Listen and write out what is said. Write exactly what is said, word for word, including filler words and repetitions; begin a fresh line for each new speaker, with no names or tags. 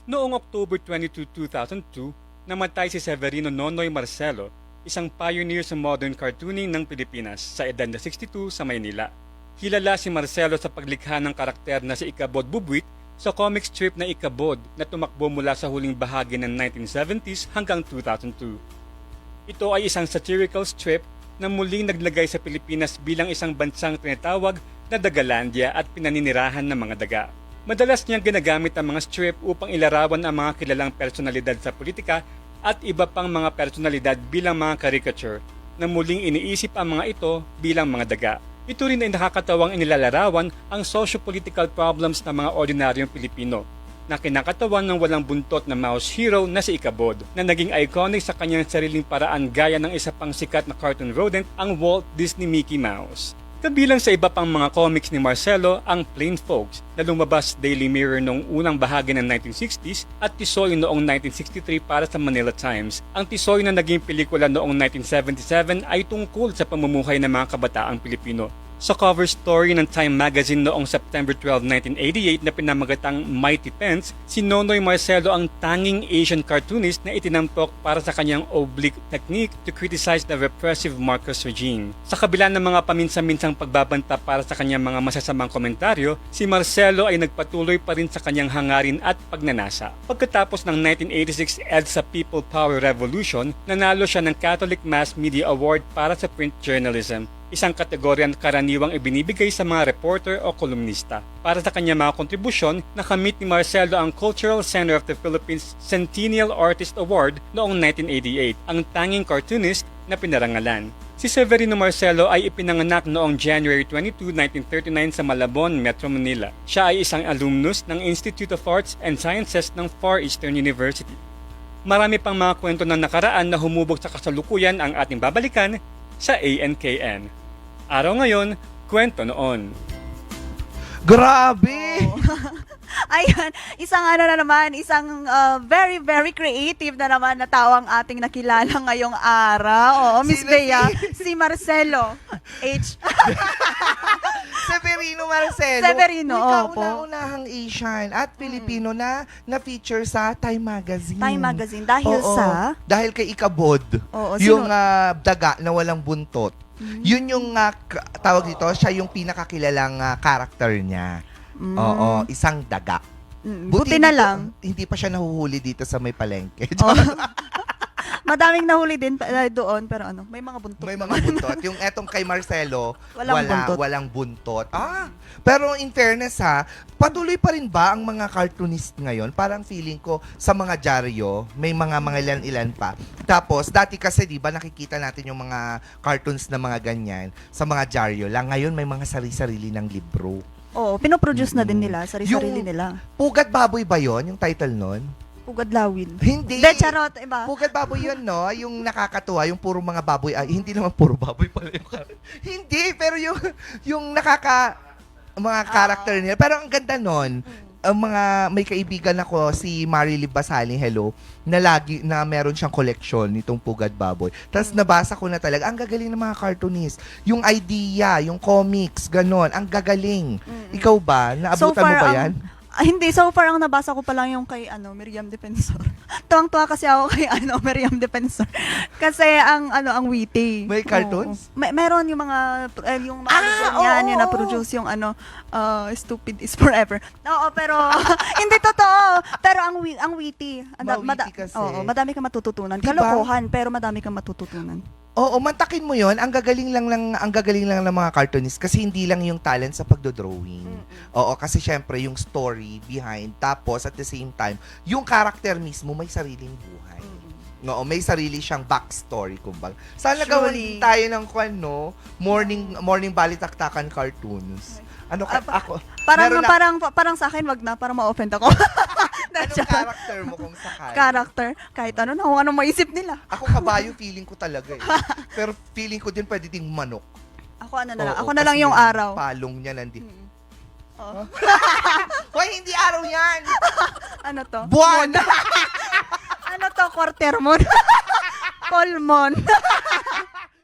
Noong October twenty-second, two thousand two, namatay si Severino Nonoy Marcelo, isang pioneer sa modern cartooning ng Pilipinas sa edad na sixty-two sa Maynila. Kilala si Marcelo sa paglikha ng karakter na si Ikabod Bubuit sa comic strip na Ikabod na tumakbo mula sa huling bahagi ng nineteen seventies hanggang two thousand two. Ito ay isang satirical strip na muling naglagay sa Pilipinas bilang isang bansang tinatawag na Dagalandia at pinaninirahan ng mga daga. Madalas niyang ginagamit ang mga strip upang ilarawan ang mga kilalang personalidad sa politika at iba pang mga personalidad bilang mga caricature na muling iniisip ang mga ito bilang mga daga. Ito rin ay nakakatawang inilalarawan ang socio-political problems ng mga ordinaryong Pilipino na kinakatawan ng walang buntot na mouse hero na si Ikabod na naging iconic sa kanyang sariling paraan gaya ng isa pang sikat na cartoon rodent, ang Walt Disney Mickey Mouse. Kabilang sa iba pang mga comics ni Marcelo ang Plain Folks na lumabas Daily Mirror noong unang bahagi ng nineteen sixties at Tisoy noong nineteen sixty-three para sa Manila Times. Ang Tisoy na naging pelikula noong nineteen seventy-seven ay tungkol sa pamumuhay ng mga kabataang Pilipino. Sa cover story ng Time Magazine noong September twelfth, nineteen eighty-eight na pinamagatang Mighty Pence, si Nonoy Marcelo ang tanging Asian cartoonist na itinampok para sa kanyang oblique technique to criticize the repressive Marcos regime. Sa kabila ng mga paminsan-minsang pagbabanta para sa kanyang mga masasamang komentaryo, si Marcelo ay nagpatuloy pa rin sa kanyang hangarin at pagnanasa. Pagkatapos ng nineteen eighty-six EDSA People Power Revolution, nanalo siya ng Catholic Mass Media Award para sa print journalism, isang kategoryang karaniwang ibinibigay sa mga reporter o kolumnista. Para sa kanyang mga kontribusyon, nakamit ni Marcelo ang Cultural Center of the Philippines Centennial Artist Award noong nineteen eighty-eight, ang tanging cartoonist na pinarangalan. Si Severino Marcelo ay ipinanganak noong January twenty-second, nineteen thirty-nine sa Malabon, Metro Manila. Siya ay isang alumnus ng Institute of Arts and Sciences ng Far Eastern University. Marami pang mga kwento ng nakaraan na humubog sa kasalukuyan ang ating babalikan sa A N K N. Araw ngayon, kwento noon.
Grabe!
Oh. Ayan, isang ano na naman, isang uh, very, very creative na naman na tao ang ating nakilala ngayong araw. Oo, Miss
Sino
Bea,
si-
si Marcelo H.
Severino Marcelo.
Severino,
Uy,
opo.
kauna-unahang Asian at Pilipino na na-feature sa Time Magazine.
Time Magazine, dahil
Oo,
sa...
Dahil kay Ikabod.
Oo,
yung
sino-
ah, daga na walang buntot. Yun yung ah, k- tawag dito, siya yung pinakakilalang ah, character niya.
Mm.
Oo, isang daga.
Mm, buti na
hindi
lang.
pa- hindi pa siya nahuhuli dito sa may palengke.
Oh. Madaming nahuli din uh, doon, pero ano, may mga buntot.
May mga buntot. Yung etong kay Marcelo,
Walang
wala,
buntot.
walang buntot. Ah, pero in fairness ha, patuloy pa rin ba ang mga cartoonist ngayon? Parang feeling ko sa mga dyaryo, may mga mga ilan-ilan pa. Tapos, dati kasi di ba nakikita natin yung mga cartoons na mga ganyan sa mga dyaryo lang. Ngayon may mga sarili-sarili ng libro.
Oo, pinoproduce na din
Mm.
nila, sarili-sarili
Yung-
nila.
Pugat Baboy ba yon yung title nun?
Pugad lawin.
Hindi.
De, charot, iba.
Pugat Baboy yun, no? Yung nakakatuwa, yung puro mga baboy. Ay, hindi naman puro baboy pala yung character. Hindi, pero yung, yung nakaka, mga character nila. Pero ang ganda nun, ang mga, may kaibigan ako, si Marily Basali, hello, na lagi, na meron siyang collection nitong Pugad Baboy. Tapos nabasa ko na talaga, ang gagaling ng mga cartoonist. Yung idea, yung comics, ganon, ang gagaling. Ikaw ba? Naabutan mo ba
ang-
yan?
Ah, hindi, so far ang nabasa ko pa lang yung kay ano, Miriam Defensor. Tuwang-tuwa kasi ako kay ano, Miriam Defensor. Kasi ang ano, ang witty.
May cartoons?
Oo. May, meron yung mga eh, yung mga
Ah,
libro niyan,
oo,
yung
oo.
na-produce yung ano, uh, Stupid is Forever. Oo, pero hindi totoo. Pero ang wi- ang witty. Ang da-
Ma-witty kasi.
Oo, madami kang matututunan.
Diba?
Kalokohan, pero madami kang matututunan.
Oo, mantakin mo 'yon. Ang gagaling lang lang ang gagaling lang ng mga cartoonist kasi hindi lang yung talent sa pagdo-drawing. Oo, kasi syempre yung story behind tapos at the same time, yung character mismo may sariling buhay. Oo, may sarili siyang backstory kumbaga. Sana gawan
Surely.
tayo ng kwan, no? Morning morning balitaktakan cartoons. Ano ka,
Ah, pa-
ako?
Parang
meron na-
parang parang sa akin wag na para ma-offend ako.
Anong character mo kung sakali?
Character, kahit ano na, kung ano maisip nila.
Ako kabayo feeling ko talaga eh. Pero feeling ko din pwede ding manok.
Ako ano na lang,
Oo,
ako na lang
kasi
yung araw.
Palong niya nandi.
Mm. Oh.
Hoy, hindi araw yan!
Ano to?
Buwan!
Ano to? Quarter moon? Full moon.